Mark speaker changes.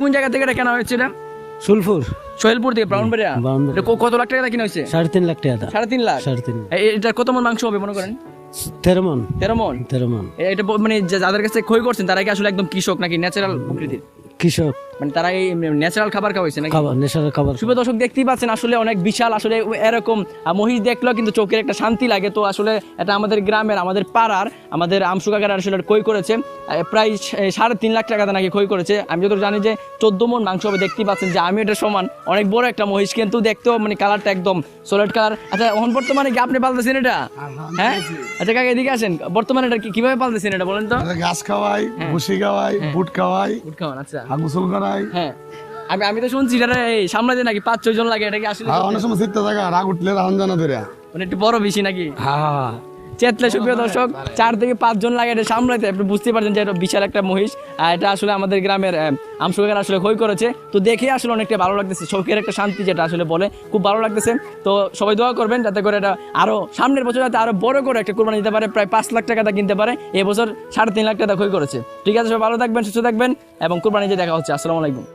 Speaker 1: কোন জায়গা থেকে এটা কেনা হয়েছে? এটা
Speaker 2: সুলপুর
Speaker 1: সোহেলপুর থেকে, ব্রাউনবাড়িয়া। এটা কত লাখ টাকা কিনা হয়েছে?
Speaker 2: 3.5 লাখ টাকা।
Speaker 1: 3.5 লাখ।
Speaker 2: 3.5।
Speaker 1: এটা কত মন মাংস হবে মনে করেন?
Speaker 2: 13 মন।
Speaker 1: 13 মন।
Speaker 2: 13 মন।
Speaker 1: এটা মানে যাদের কাছে খই করছেন তারা কি আসলে একদম কৃষক নাকি ন্যাচারাল প্রকৃতির?
Speaker 2: কৃষক,
Speaker 1: মানে তারা এই ন্যাচারাল খাবার খাওয়াইছে নাকি?
Speaker 2: খাবার, ন্যাচারাল খাবার।
Speaker 1: শুভ দর্শক দেখতেই পাচ্ছেন আসলে অনেক বিশাল, আসলে এরকম মহিষ দেখলেও কিন্তু চোখের একটা শান্তি লাগে। তো আসলে এটা আমাদের গ্রামের, আমাদের পাড়ার, আমাদের আমসু কাকার আসলে খই করেছে প্রায় 3.5 লাখ টাকাতে নাকি খই করেছে। আমি যত জানি যে 14 মন মাংস হবে। দেখতেই পাচ্ছেন যে আমি এটা সমান অনেক বড় একটা মহিষ, কিন্তু দেখতেও মানে কালারটা একদম সলিড কালার। আচ্ছা এখন বর্তমানে কি আপনি পালতেছেন এটা? হ্যাঁ, আচ্ছা কাকা এদিকে আসেন। বর্তমানে এটা কিভাবে পালতেছেন এটা বলেন তো?
Speaker 3: ঘাস খাওয়াই, ভুসি খাওয়াই, বুট খাওয়াই,
Speaker 1: উট খাওয়ান। আচ্ছা,
Speaker 3: গোসল করাই।
Speaker 1: হ্যাঁ আমি তো শুনছি এটা সামলাতে নাকি 5-6 জন লাগে। এটা কি আসলে
Speaker 3: অনেক সময় শীত থাকা রাগ উঠলে রাহন জানা ধরে।
Speaker 1: মানে একটু বড় বেশি নাকি?
Speaker 2: হ্যাঁ,
Speaker 1: চেতলে সুপ্রিয় দর্শক 4 থেকে 5 জন লাগে এটা সামলাতে। আপনি বুঝতে পারছেন যে এটা বিশাল একটা মহিষ। এটা আসলে আমাদের গ্রামের আমসুকার আসলে খই করেছে। তো দেখে আসলে অনেকটা ভালো লাগতেছে, চোখের একটা শান্তি যেটা আসলে বলে, খুব ভালো লাগতেছে। তো সবাই দোয়া করবেন যাতে করে এটা আরো সামনের বছর যাতে আরো বড় করে একটা কোরবানি দিতে পারে, প্রায় 5 লাখ টাকা কিনতে পারে। এবছর 3.5 লাখ টাকা খই করেছে। ঠিক আছে, সবাই ভালো থাকবেন, সুস্থ থাকবেন এবং কোরবানি যে দেখা হচ্ছে। আসসালামু আলাইকুম।